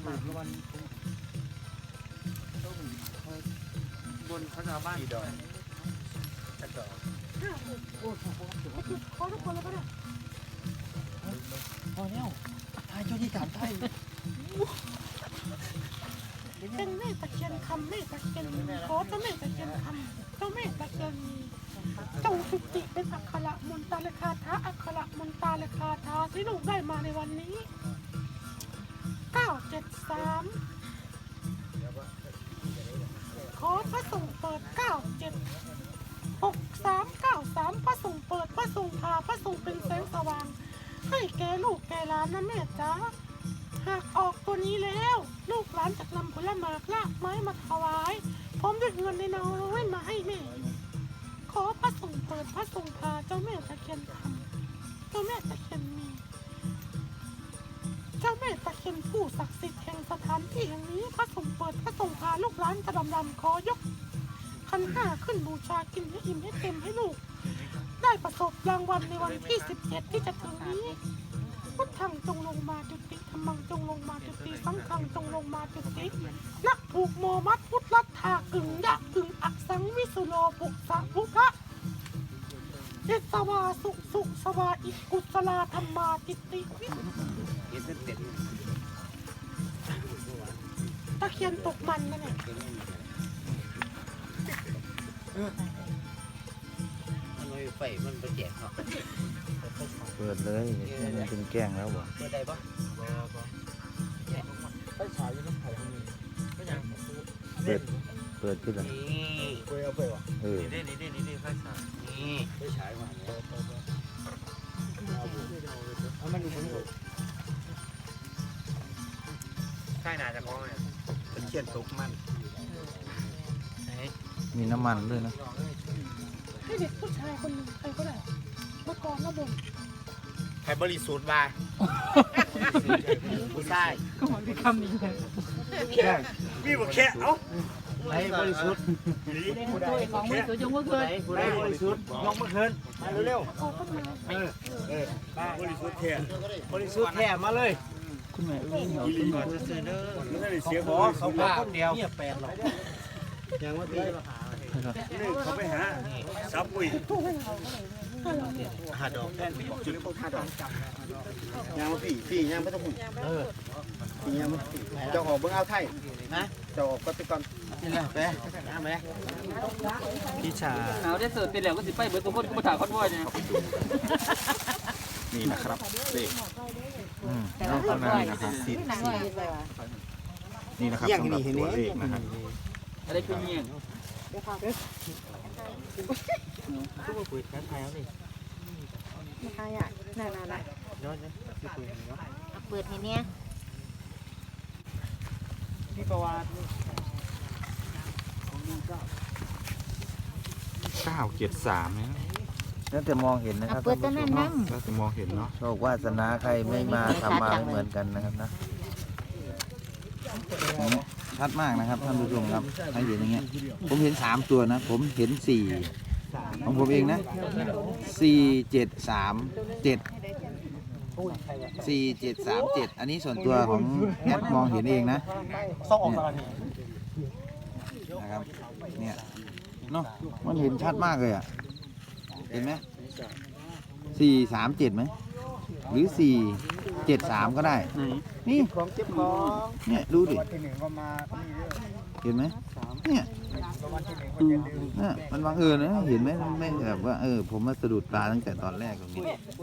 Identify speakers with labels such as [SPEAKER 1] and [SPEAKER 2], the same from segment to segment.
[SPEAKER 1] บนเขาจะบ้านดอยจะดอย
[SPEAKER 2] ขอทุกคนแล้วก็ได้
[SPEAKER 1] พอแล้วทายเจ้าที่ถามไทย
[SPEAKER 2] เป็นแม่ตะเคียนคำแม่ตะเคียนขอเจ้าแม่ตะเคียนคำเจ้าแม่ตะเคียนมีจงจุติเป็นอักขระมนตาเลคาถาอักขระมนตาเลคาถาที่ลูกได้มาในวันนี้973ขอพระสงฆ์เปิด976393พระสงฆ์เปิดพระสงฆ์พาพระสงฆ์เป็นแสงสว่างให้แก่ลูกแก่หลานนะแม่จ๋าหากออกตัวนี้แล้วลูกหลานจะนำผลไม้ลากไม้มาถวายพร้อมด้วยเงินในนองเว้นมาให้แม่ขอพระสงฆ์เปิดพระสงฆ์พาเจ้าแม่ตะเคียนคำเจ้าแม่ตะเคียนมีเจ้าแม่ตะเคียนผู้ศักดิ์สิทธิ์แห่งสถานที่แห่งนี้พระสงฆ์เปิดพระสงฆ์พาลูกหลานจะดำขอยกขันห้าขึ้นบูชากินให้อิ่มให้เต็มให้ลูกได้ประสบรางวัลในวันที่17ที่จะถึงนี้พุทธังจงลงมาจุติธัมมังจงลงมาจุติสังฆังจงลงมาจุตินักผูกโมมัดพุทธลัทธากึ่งยะกึ่งอักสังวิสุโลปุสะพุทธะเจสวาสุสวาอิกุสลาธรรมาติติตะเคียนตกมันนะเนี่ย
[SPEAKER 1] ไฟมันไปแจกเนาะ
[SPEAKER 3] เปิดเลยให้มันเป็นแกล้งแล้วบ่
[SPEAKER 1] เปิดได้ปะไฟฉายอยู่น้ำไผ่ของมีก็ยัง
[SPEAKER 3] เปิดขึ้นแล้ว
[SPEAKER 1] นี่เปิดเอาไปวะนี่ไฟฉายนี่ไฟฉายมาเนี่ยเอามันดูผมก่อนใช่น่าจะคล้องเลยเป็นเขียนตกมัน
[SPEAKER 3] มีน้ำมันด้วยนะ
[SPEAKER 2] ให้เด็กผู้ชายคนหนึ่งใครก็ได้มากองมาบน
[SPEAKER 1] ใครบริสุทธิ์มาผู้ชาย
[SPEAKER 2] ก็มันมีคำนี้เลย
[SPEAKER 1] มีบอกแค่เอ้าใครบริสุทธิ์
[SPEAKER 2] ตัวของบริสุทธิ์ยกมือขึ้น
[SPEAKER 1] ใครบริสุทธิ์ยกมือขึ้นมาเร็วๆบริสุทธิ์แท้บริสุทธิ์แท้มาเลย
[SPEAKER 3] คุณแม่เอ้ยเหรอ
[SPEAKER 1] คุณก่อนจะซื้อเด้อไม่ได้เสียขอเขาพาคนเดียวเนี่ย8หรอกยังว่าตีนี่เขาไปหาซับปุ้ยหาดอกจุด5ดอกยังมาพี่ยังไม่ต้องหุ่นพี่ยังจะออกเบื้องเอาไทยนะจะออกก็ติดก่อนนี่แหละไปน้ำไหมพี่ชา
[SPEAKER 4] เอาได้เสิร์ฟเป็นแล้วก็สิไปเบิร์ตตัวพ่นก็มาถ่ายคอนวอยเนี่ย
[SPEAKER 3] นี่นะครับเลขแล้วข้างหน้านี่นะครับนี่นะครับสำหรับตัวเลขนะครับ
[SPEAKER 4] อะไรคือเงี้ย
[SPEAKER 1] ทุกคนคุยกันไทยแล้วนี่
[SPEAKER 2] ไม่ใช่อ่ะน่า
[SPEAKER 1] ย้อนเลยพี่คุยเนาะ
[SPEAKER 2] เปิดให้เนี่ย
[SPEAKER 1] พี่ประวัติ
[SPEAKER 3] 973นะแล้วแต่มองเห็นนะครับ
[SPEAKER 2] เปิดตัวนั้นนั่ง
[SPEAKER 3] แล้วแต่มองเห็นเนาะโชควาสนาใครไม่มาทำมาไม่เหมือนกันนะครับนะชัดมากนะครับท่านผู้ชมครับใครเห็นอย่างเงี้ยผมเห็น3ตัวนะผมเห็น4ของผมเองนะ4737อันนี้ส่วนตัวของแอดมองเห็นเองนะนะครับเนี่ยเนาะมันเห็นชัดมากเลยอ่ะเห็นไหม437ไหมหรือ473ก็ได้นี่
[SPEAKER 1] ของเจ็บของ
[SPEAKER 3] เนี่ยดูดิเห็นไหมเนี่ยมันบังเอิญนะเห็นไหมไม่แบบว่าผมมาสะดุดตาตั้งแต่ตอนแรกตรงนี้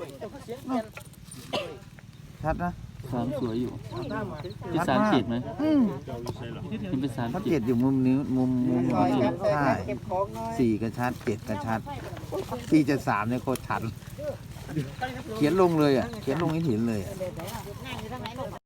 [SPEAKER 3] ชัดนะ
[SPEAKER 4] 3สวยอยู่ที่37ไหมเป็น
[SPEAKER 3] 37อยู่มุมนิ้วมุมใช่4กระชัด7กระชัด473เนี่ยโคตรชัดเขียนลงเลยอ่ะเขียนลงให้เห็นเลย